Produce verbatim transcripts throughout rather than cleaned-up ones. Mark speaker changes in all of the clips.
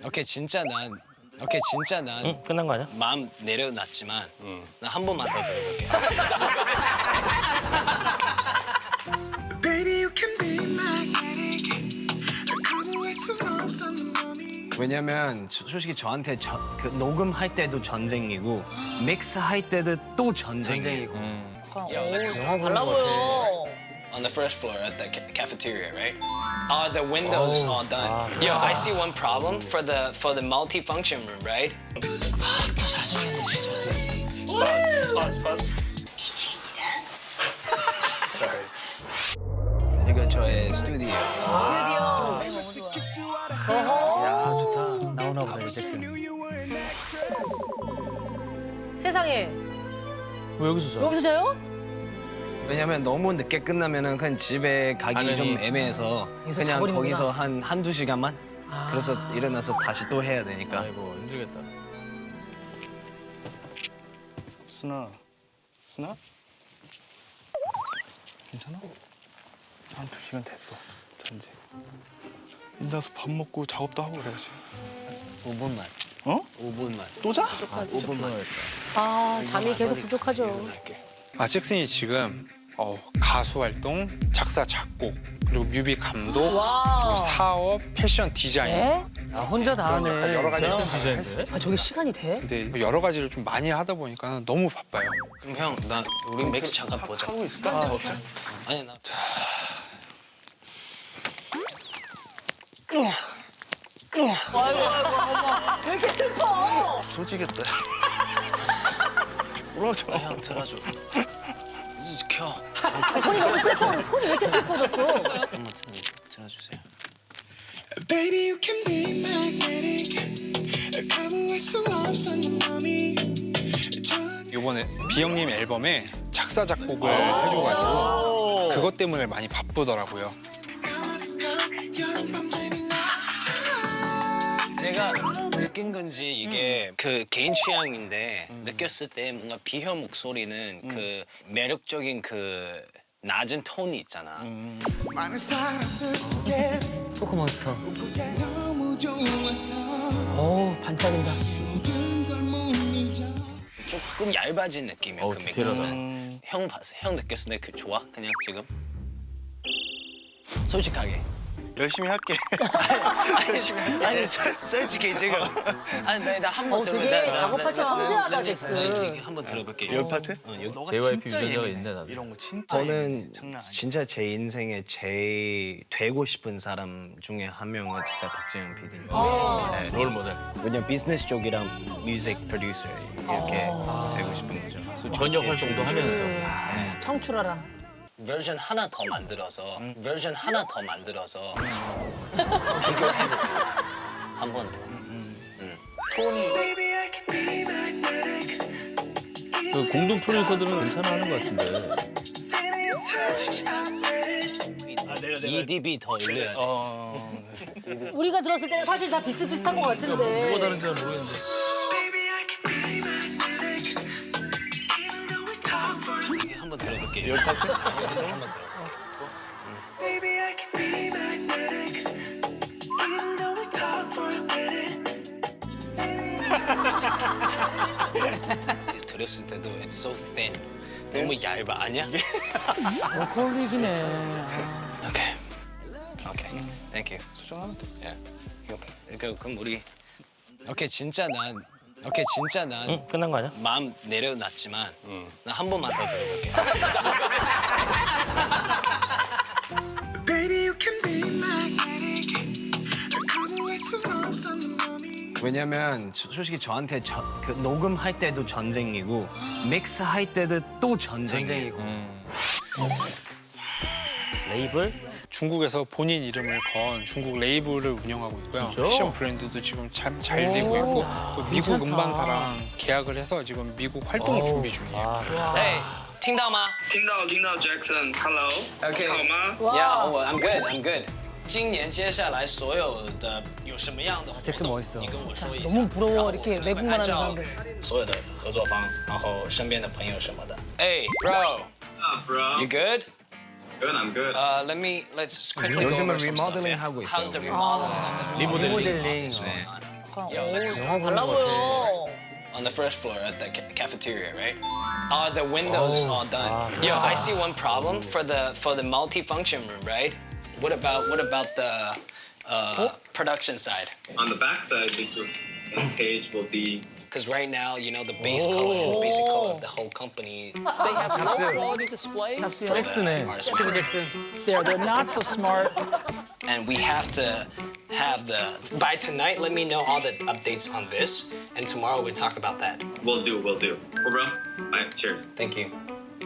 Speaker 1: 오케이 진짜 난 오케이 진짜 난
Speaker 2: 응? 끝난 거 아니야?
Speaker 1: 마음 내려놨지만 나 한 번만 더 들어볼게. 왜냐면 저- 솔직히 저한테 저, 그 녹음할 때도 전쟁이고 믹스할 때도 또 전쟁이고. Yo, let's
Speaker 3: 달라 보여.
Speaker 1: on the first floor at the ca- cafeteria, right? Are the windows all done? Yo, I see one problem for the for the multi-function room, right?
Speaker 4: Pause, pause.
Speaker 1: Sorry. 이거 저의 스튜디오.
Speaker 2: 야 좋다. 나오나 보다 이 잭슨.
Speaker 3: 세상에.
Speaker 2: 왜 여기서 자?
Speaker 3: 여기서 자요?
Speaker 1: 왜냐면 너무 늦게 끝나면은 그냥 집에 가기
Speaker 2: 당연히.
Speaker 1: 좀 애매해서
Speaker 3: 여기서
Speaker 1: 그냥
Speaker 3: 자버리는구나.
Speaker 1: 거기서 한 한두 시간만 그래서 일어나서 다시 또 해야 되니까.
Speaker 2: 아이고 힘들겠다.
Speaker 4: 순아, 순아? 괜찮아? 한 두 시간 됐어, 잔지. 나서 밥 먹고 작업도 하고 그래야지.
Speaker 1: 오 분만.
Speaker 4: 어?
Speaker 1: 오 분만.
Speaker 4: 또 자?
Speaker 1: 오 분만.
Speaker 3: 아, 잠이 계속 부족하죠.
Speaker 1: 일어날게.
Speaker 5: 아, 잭슨이 지금 어, 가수 활동, 작사, 작곡, 그리고 뮤비 감독, 그리고
Speaker 3: 와.
Speaker 5: 사업, 패션 디자인.
Speaker 3: 에?
Speaker 2: 아 혼자 다 하네.
Speaker 5: 여러 가지
Speaker 2: 패션
Speaker 5: 했어.
Speaker 2: 디자인인데?
Speaker 3: 아, 저게 시간이 돼?
Speaker 5: 근데 여러 가지를 좀 많이 하다 보니까 너무 바빠요.
Speaker 1: 그럼 형, 나 우리 맥스 잠깐 보자.
Speaker 4: 하고 있을까? 작업장?
Speaker 1: 아니 나.
Speaker 3: 아이고, 아이고, 어머. 왜 이렇게 슬퍼?
Speaker 4: 솔직했다. 울어줘.
Speaker 1: 형 들어줘. 켜.
Speaker 3: 톤이 너무 슬퍼. 톤이 왜 이렇게 슬퍼졌어?
Speaker 1: 한번 들- 들어주세요.
Speaker 6: Baby, you can be magnetic. 거부할 수 없어, 네 맘이.
Speaker 5: 이번에 비영님 앨범에 작사, 작곡을 해줘가지고 그것 때문에 많이 바쁘더라고요.
Speaker 1: 내가 느낀 건지 이게 그 개인 취향인데 느꼈을 때 뭔가 비현 목소리는 그 매력적인 그 낮은 톤이 있잖아.
Speaker 6: 많은 사람들에게
Speaker 2: 포크몬스터.
Speaker 6: 너무 좋아서
Speaker 3: 어우, 반짝인다.
Speaker 6: 모든 걸 못 잊어.
Speaker 1: 조금 얇아진 느낌이야
Speaker 2: 어우,
Speaker 1: 그
Speaker 2: 디테일하다.
Speaker 1: 믹스는. 형 봤어? 형 느꼈을 때 그 좋아? 그냥 지금? 솔직하게.
Speaker 4: 열심히 할게.
Speaker 1: 아니, 아니 솔- 솔직히 지금. 아니 나나한번
Speaker 3: 어, 되게 작업할 때 섬세하다, 잭슨.
Speaker 1: 한번 들어볼게.
Speaker 4: 열 파트?
Speaker 1: 어, 여기.
Speaker 4: 너가
Speaker 2: 제이와이피
Speaker 4: 진짜
Speaker 2: 유전자가
Speaker 4: 예민해.
Speaker 2: 있네, 나도.
Speaker 4: 이런 거 진짜
Speaker 1: 저는
Speaker 4: 예민해. 장난 아니야.
Speaker 1: 진짜 제 인생에 제일 되고 싶은 사람 중에 한 명은 진짜 박재영 피디님. 네.
Speaker 2: 롤 모델.
Speaker 1: 왜냐면 비즈니스 쪽이랑 뮤직 프로듀서 이렇게 되고 싶은 거죠. 그래서
Speaker 2: 번역
Speaker 1: 저게
Speaker 2: 활동도
Speaker 1: 좀-
Speaker 2: 하면서.
Speaker 3: 청출하랑.
Speaker 1: 버전 하나 더 만들어서 버전 하나 더 만들어서 비교해볼게요. 한 번 더.
Speaker 6: Baby, I can be magnetic.
Speaker 2: 그 공동 프로듀서들은 괜찮아 하는 것 같은데.
Speaker 6: Feeling your touch, I'm ready.
Speaker 1: 이디비 더 올려야 돼.
Speaker 4: 어...
Speaker 3: 우리가 들었을 때는 사실 다 비슷비슷한 것 같은데.
Speaker 2: 뭐가 다른지는 모르겠는데.
Speaker 6: Baby, I can be magnetic. Even though we talk for a
Speaker 1: 한번 들어볼게요.
Speaker 4: 열 파트?
Speaker 1: 여기서 한번 들어.
Speaker 6: Baby, I can be magnetic. Even though we talk for a minute.
Speaker 1: 들었을 때도 it's so thin. 너무 얇아 아니야?
Speaker 3: 콜릭이네.
Speaker 1: 오케이. 오케이. Thank you.
Speaker 4: 수정하면 돼.
Speaker 1: 예. 그러니까 그럼 우리 오케이 진짜 난 오케이 진짜 난
Speaker 2: 응? 끝난 거 아니야?
Speaker 1: 마음 내려놨지만 나 한 번만 더 들어볼게.
Speaker 6: Baby, you can be magnetic. 거부할 수 없어, 네 맘이.
Speaker 1: 왜냐면 저- 솔직히 저한테 저, 그 녹음할 때도 전쟁이고 믹스할 때도 또 전쟁이고.
Speaker 2: 레이블?
Speaker 5: 중국에서 본인 이름을 건 중국 레이블을 운영하고 있고요.
Speaker 2: 진짜?
Speaker 5: 패션 브랜드도 지금 참 잘 되고 있고 또 미국
Speaker 3: 괜찮다.
Speaker 5: 음반사랑 계약을 해서 지금 미국 활동을 준비 중이에요.
Speaker 1: 哎，听到吗？
Speaker 7: 听到听到 Jackson，Hello，
Speaker 1: OK
Speaker 7: 你好吗？
Speaker 1: Yeah，我 I'm good, I'm good。今年接下来所有的有什么样的活动
Speaker 2: 잭슨 멋있어.
Speaker 1: 你跟我说一下。
Speaker 3: 너무 부러워,
Speaker 1: 然后
Speaker 3: 이렇게
Speaker 1: 我可能会
Speaker 3: 외국만 하는
Speaker 1: 按照
Speaker 3: 사람들.
Speaker 1: 所有的合作方，然后身边的朋友什么的。哎，Bro，you
Speaker 7: Ah, bro.
Speaker 1: good?
Speaker 7: Good, I'm good.
Speaker 1: Uh, let me let's quickly go
Speaker 5: 요즘은
Speaker 1: over some stuff.
Speaker 5: 리모델링
Speaker 1: yeah.
Speaker 5: 하고 있어요.
Speaker 1: How's the remodeling? of the
Speaker 2: 리모델링.
Speaker 1: office going on?
Speaker 3: 약간
Speaker 1: Yo,
Speaker 3: 오,
Speaker 1: that's
Speaker 3: 달라 보여.
Speaker 1: on the first floor at the ca- cafeteria, right? Are the windows all done? Yo, I see one problem for the for the multi-function room, right? What about what about the uh, production side?
Speaker 7: On the back side, they just this page will be
Speaker 1: Because right now, you know, the base color, the basic color of the whole company.
Speaker 8: quality displays.
Speaker 2: 잭슨네.
Speaker 1: Artist
Speaker 2: 스티브
Speaker 1: first.
Speaker 2: 잭슨.
Speaker 8: They're they're not so smart.
Speaker 1: And we have to have the by tonight. Let me know all the updates on this, and tomorrow we talk about that.
Speaker 7: will do, will do. Oh, bro. All right, cheers.
Speaker 1: Thank you.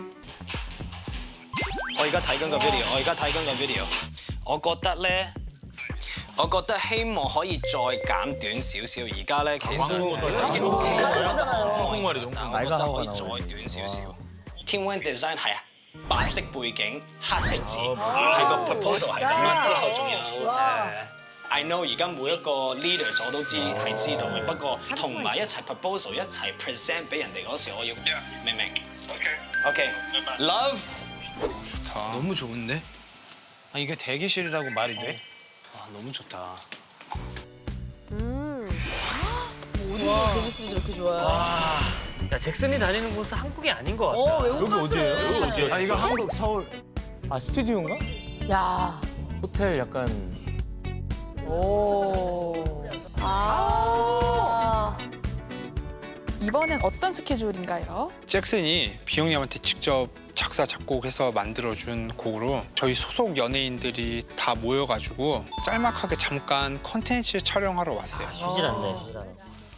Speaker 1: 我而家睇緊個 video，我而家睇緊個 video。我覺得咧，我覺得希望可以再減短少少。而家咧其實其實已經 OK 啦。
Speaker 2: 한국말이죠.
Speaker 1: 但我覺得可以再短少少。天 One Design 係白色背景、黑色字，係個 proposal 係咁啦。之後仲有誒。I know 而家每一個 leaders 我都知係知道嘅，不過同埋一齊 proposal 一齊 present 俾人哋嗰時，我要明唔明 ？OK。Love。 너무 좋은데? 아 이게 대기실이라고 말이 돼? 아 너무 좋다.
Speaker 3: 어디가 대기실이 저렇게 좋아요?
Speaker 2: 야 잭슨이 다니는 곳은 한국이 아닌 것 같다.
Speaker 3: 어, 외국
Speaker 2: 여기
Speaker 3: 같아.
Speaker 2: 어디예요? 여기 어디야?
Speaker 9: 아 이거 한국 서울 아 스튜디오인가?
Speaker 3: 야.
Speaker 9: 호텔 약간
Speaker 3: 오. 아.
Speaker 10: 이번엔 어떤 스케줄인가요?
Speaker 5: 잭슨이 비영 형한테 직접 작사 작곡해서 만들어준 곡으로 저희 소속 연예인들이 다 모여가지고 짤막하게 잠깐 컨텐츠 촬영하러 왔어요.
Speaker 2: 쉬질 않네, 쉬질 않아.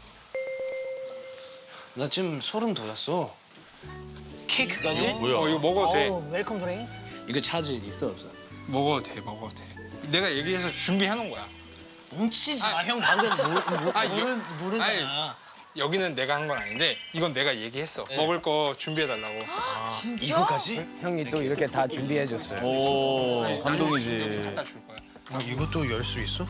Speaker 1: 나 지금 소름 돋았어. 케이크까지?
Speaker 5: 어, 이거 먹어도 돼.
Speaker 3: 어우, 웰컴 드링.
Speaker 1: 이거 차질 있어 없어?
Speaker 5: 먹어도 돼, 먹어도 돼. 내가 얘기해서 준비해놓은 거야.
Speaker 1: 뭉치지 마. 형 방금 모, 모,
Speaker 5: 아,
Speaker 1: 모르,
Speaker 5: 이거-
Speaker 1: 모르잖아.
Speaker 5: 여기는 내가 한 건 아닌데 이건 내가 얘기했어. 먹을 거 준비해달라고.
Speaker 1: 이거까지?
Speaker 9: 형이 또 이렇게 다 준비해줬어요.
Speaker 2: 오,
Speaker 5: 여기
Speaker 2: 감동이지.
Speaker 5: 갖다 줄 거야.
Speaker 1: 아, 이것도 열 수 있어?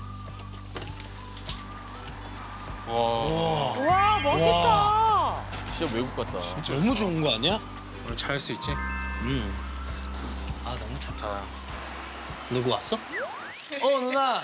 Speaker 5: 와,
Speaker 3: 와, 멋있다.
Speaker 2: 진짜 외국 같다.
Speaker 1: 너무 좋은 거 아니야?
Speaker 5: 오늘 잘할 수 있지?
Speaker 1: 응. 아 너무 좋다. 누구 왔어? 어 누나.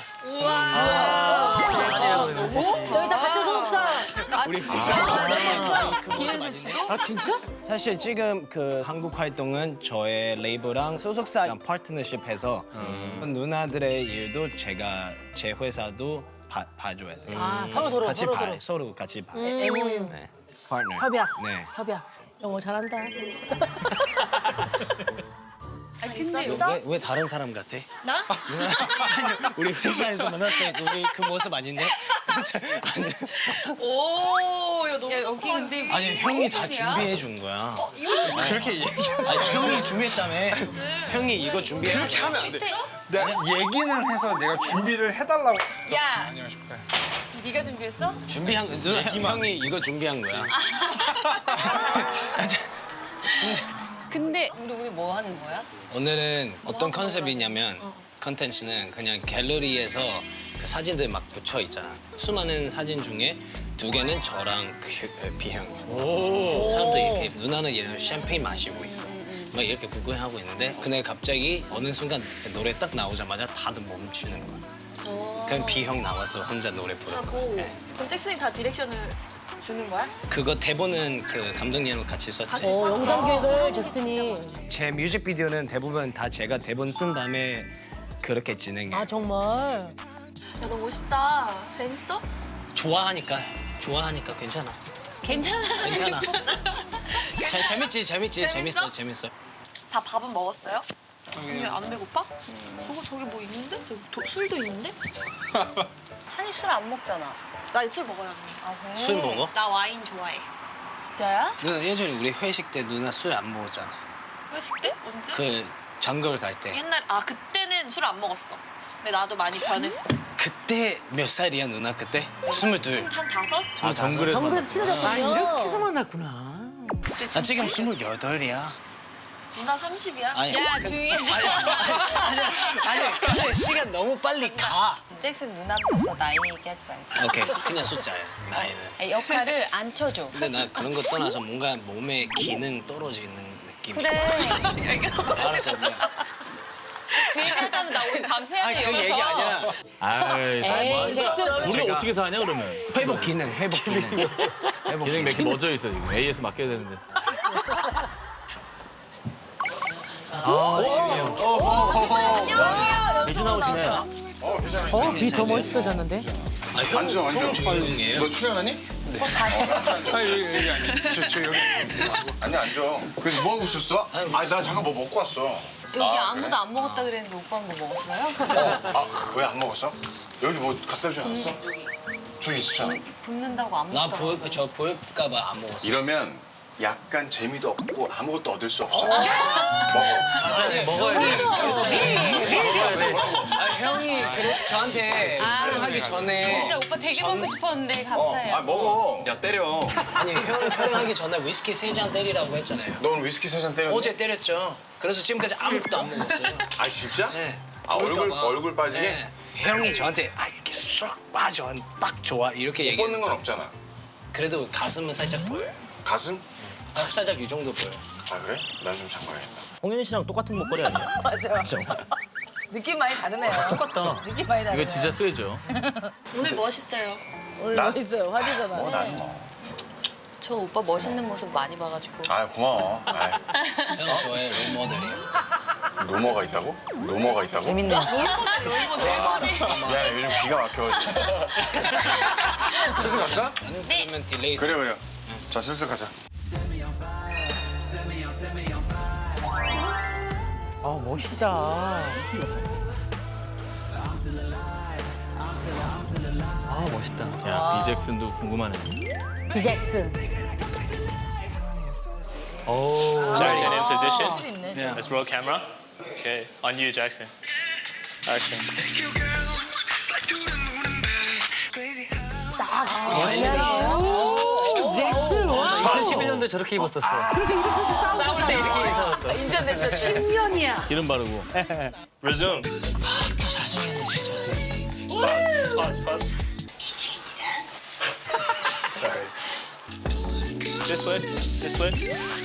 Speaker 3: 여기다 같은 소속사. 아, 진짜? 김현수 씨도?
Speaker 9: 아 진짜? 사실 지금 그 한국 활동은 저의 레이블랑 소속사랑 파트너십해서 누나들의 일도 제가 제 회사도 봐, 봐줘야 돼요.
Speaker 3: 아, 서로 서로,
Speaker 9: 같이
Speaker 3: 서로
Speaker 9: 봐요.
Speaker 3: 서로.
Speaker 9: 서로 같이 봐.
Speaker 3: 엠오유.
Speaker 9: 네. 파트너.
Speaker 3: 협약.
Speaker 9: 네.
Speaker 3: 협약. 영어 잘한다. 아, 근데
Speaker 1: 왜, 왜 다른 사람 같아?
Speaker 3: 나?
Speaker 1: 우리 회사에서 만났을 때 우리 그 모습 아닌데?
Speaker 3: 오, 야, 너무 야, 여기 근데
Speaker 1: 아니 형이 다 준비해 준 거야.
Speaker 5: 그렇게 얘기.
Speaker 1: 아니 형이 준비했다며. 형이 이거 준비해.
Speaker 5: 그렇게 하면 안 돼. 내가 얘기는 해서 내가 준비를 해달라고.
Speaker 3: 야,
Speaker 5: 안녕하십니까.
Speaker 3: 네가 준비했어?
Speaker 1: 준비한 누나 형이 이거 준비한 거야.
Speaker 3: 근데 우리 오늘 뭐 하는 거야?
Speaker 1: 오늘은 어떤 컨셉이냐면 컨텐츠는 그냥 갤러리에서 그 사진들 막 붙여 있잖아. 수많은 사진 중에 두 개는 저랑 그, 비형. 사람들이 이렇게 누나는 예를 들어 샴페인 마시고 있어. 막 이렇게 구경하고 있는데 근데 갑자기 어느 순간 그 노래 딱 나오자마자 다들 멈추는 거야. 그럼 비형 나와서 혼자 노래 부르는 거야. 네.
Speaker 3: 그럼 잭슨이 다 디렉션을 주는 거야?
Speaker 1: 그거 대본은 그 감독님이랑 같이 썼지.
Speaker 3: 어, 영상 기획을 잭슨이.
Speaker 9: 제 뮤직비디오는 대부분 다 제가 대본 쓴 다음에 그렇게 진행해.
Speaker 3: 아, 정말.
Speaker 11: 야, 너 멋있다. 재밌어?
Speaker 1: 좋아하니까 좋아하니까 괜찮아.
Speaker 11: 괜찮아.
Speaker 1: 괜찮아. 재, 재밌지 재밌지 재밌어
Speaker 11: 재밌어?
Speaker 1: 재밌어.
Speaker 11: 다 밥은 먹었어요? 왜 안 배고파? 저거 저기 뭐 있는데? 저기 도, 술도 있는데? 한이 술 안 먹잖아. 나 술 먹어요, 언니. 아, 그래?
Speaker 1: 술 먹어?
Speaker 11: 나 와인 좋아해.
Speaker 3: 진짜야?
Speaker 1: 누나 예전에 우리 회식 때 누나 술 안 먹었잖아.
Speaker 11: 회식 때? 언제?
Speaker 1: 그 정글 갈 때.
Speaker 11: 옛날 아 그때는 술 안 먹었어. 근데 나도 많이 변했어.
Speaker 1: 그때 몇 살이야 누나 그때? 스물둘.
Speaker 11: 한 다섯?
Speaker 1: 아 정글에.
Speaker 3: 정글에서 친해졌군요.
Speaker 10: 이렇게 해서 만났구나.
Speaker 11: 그때
Speaker 1: 나
Speaker 11: 진짜
Speaker 1: 지금
Speaker 11: 이랬어.
Speaker 1: 스물여덟이야.
Speaker 11: 누나 삼십이야?
Speaker 1: 아니.
Speaker 3: 야, 조용히 해.
Speaker 1: 아니 아니 근데 시간 너무 빨리 가.
Speaker 11: 잭슨 눈 앞에서 나이 얘기하지 말자.
Speaker 1: 오케이 그냥 숫자야 나이는.
Speaker 11: 역할을 안 쳐줘.
Speaker 1: 근데 나 그런 거 떠나서 뭔가 몸에 기능 떨어지는 느낌이
Speaker 11: 그래.
Speaker 1: 있어. 알았어 누나.
Speaker 11: 그 얘기 얘기하자면 나 오늘 밤새야
Speaker 1: 아니
Speaker 11: 돼
Speaker 1: 그
Speaker 11: 여기서.
Speaker 1: 얘기 아니야.
Speaker 2: 아이,
Speaker 3: 잭슨
Speaker 2: 우리가 어떻게 사냐 그러면?
Speaker 9: 회복 기능, 회복 기능. 회복
Speaker 2: 기능이 몇 개
Speaker 9: 기능.
Speaker 2: 멈춰 있어 지금. 에이에스 맡겨야 되는데. 미주 나오시네.
Speaker 10: 어, 비 더 멋있어졌는데?
Speaker 4: 앉아, 앉아.
Speaker 1: 조용해요.
Speaker 4: 너 출연하니? 네. 아, 여기, 여기 아니. 저, 저 여기. 아니, 앉아. 그래서 뭐 하고 있었어? 아니, 나 잠깐 뭐 먹고 왔어.
Speaker 11: 여기 아무도 안 먹었다 그랬는데 오빠는 뭐 먹었어요?
Speaker 4: 아, 왜 안 먹었어? 여기 뭐 갖다 주지 않았어? 저기 있었잖아.
Speaker 11: 붙는다고 안
Speaker 1: 나
Speaker 11: 먹더라고.
Speaker 1: 보여 저 보일까봐 안 먹었어.
Speaker 4: 이러면 약간 재미도 없고 아무것도 얻을 수 없어.
Speaker 1: 아니
Speaker 2: 먹어야 돼.
Speaker 1: 아 형이 그래, 저한테 촬영하기 전에
Speaker 11: 진짜 오빠 되게 먹고 싶었는데 감사해요.
Speaker 4: 아, 먹어. 야, 때려.
Speaker 1: 아니 형 촬영하기 전에 위스키 세 잔 때리라고 했잖아요.
Speaker 4: 너 오늘 위스키 세 잔 때렸니?
Speaker 1: 어제 때렸죠. 그래서 지금까지 아무것도 안 먹었어요.
Speaker 4: 아, 진짜?
Speaker 1: 네.
Speaker 4: 아, 얼굴,
Speaker 1: 보일까봐.
Speaker 4: 얼굴 빠지게?
Speaker 1: 네. 형이 저한테 아 이렇게 쏙 빠져 딱 좋아 이렇게
Speaker 4: 못
Speaker 1: 얘기해.
Speaker 4: 뻗는 건 없잖아.
Speaker 1: 그래도 가슴은 살짝 보여요.
Speaker 4: 가슴?
Speaker 1: 아, 살짝 이 정도 보여.
Speaker 4: 아, 그래? 난 좀 잠가야겠다.
Speaker 2: 홍윤 씨랑 똑같은 목걸이 아니야?
Speaker 3: 맞아.
Speaker 2: 그죠?
Speaker 3: 느낌 많이 다르네요.
Speaker 2: 똑같다.
Speaker 3: 느낌 많이 다르네요.
Speaker 2: 이거 진짜 쇠죠.
Speaker 11: 오늘 멋있어요.
Speaker 3: 오늘
Speaker 4: 나?
Speaker 3: 멋있어요. 화제잖아.
Speaker 4: 어, 난 뭐.
Speaker 11: 저 오빠 멋있는 모습 많이 봐가지고.
Speaker 4: 아, 고마워. 아,
Speaker 1: 형 저의 롤모델이에요.
Speaker 4: 루머가 있다고? 루머가 있다고?
Speaker 3: 재밌네요.
Speaker 4: 미안해, 요즘 귀가 막혀가지고. 슬슬 갈까?
Speaker 1: 그러면 딜레이.
Speaker 4: 그래, 그래. 자, 슬슬 가자.
Speaker 10: 아, 멋있다.
Speaker 2: 아 멋있다. 야 비잭슨도 궁금하네.
Speaker 3: 비잭슨.
Speaker 8: Jackson in position.
Speaker 3: 술 있네.
Speaker 1: Yeah.
Speaker 8: Let's roll camera. Okay, on you, Jackson. Action.
Speaker 6: You girl, fly to the moon and back. Crazy how.
Speaker 3: 잭슨 와.
Speaker 2: 이천십일 년도에 저렇게 입었었어.
Speaker 10: 그렇게 이렇게 싸우고
Speaker 2: 싸울 때 이렇게 인사했어.
Speaker 3: 인정됐죠. 십 년이야.
Speaker 2: 기름 바르고.
Speaker 8: Resume. Pause, pause, pause. Sorry. This way, this way.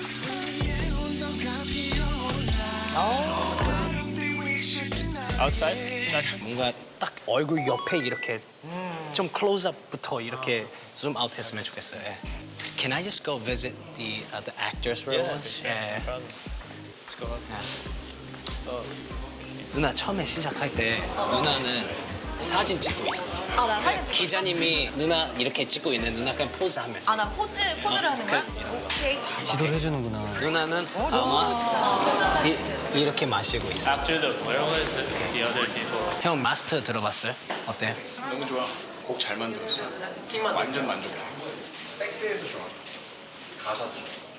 Speaker 8: Outside, Jackson.
Speaker 1: 뭔가 딱 얼굴 옆에 이렇게 좀 클로즈업부터 이렇게 줌 아웃 했으면 좋겠어요. 예. Can I just go visit the uh, the actors room once? 예.
Speaker 8: No problem. Let's go up.
Speaker 1: 누나 처음에 시작할 때 누나는 사진 찍고 있어.
Speaker 11: 아, 나 사진 찍고
Speaker 1: 기자님이 누나 이렇게 찍고 있는 누나 그냥 포즈 하면.
Speaker 11: 아, 나 포즈, 포즈를 하는 거야? 오케이.
Speaker 2: 지도를 해주는구나.
Speaker 1: 누나는 아마 이, 이렇게 마시고 있어.
Speaker 8: After the flare was the other people.
Speaker 1: 형 마스터 들어봤어요? 어때?
Speaker 4: 너무 좋아. 곡 잘 만들었어. 완전 만족해. 섹스해서 좋아. 가사도 좋아.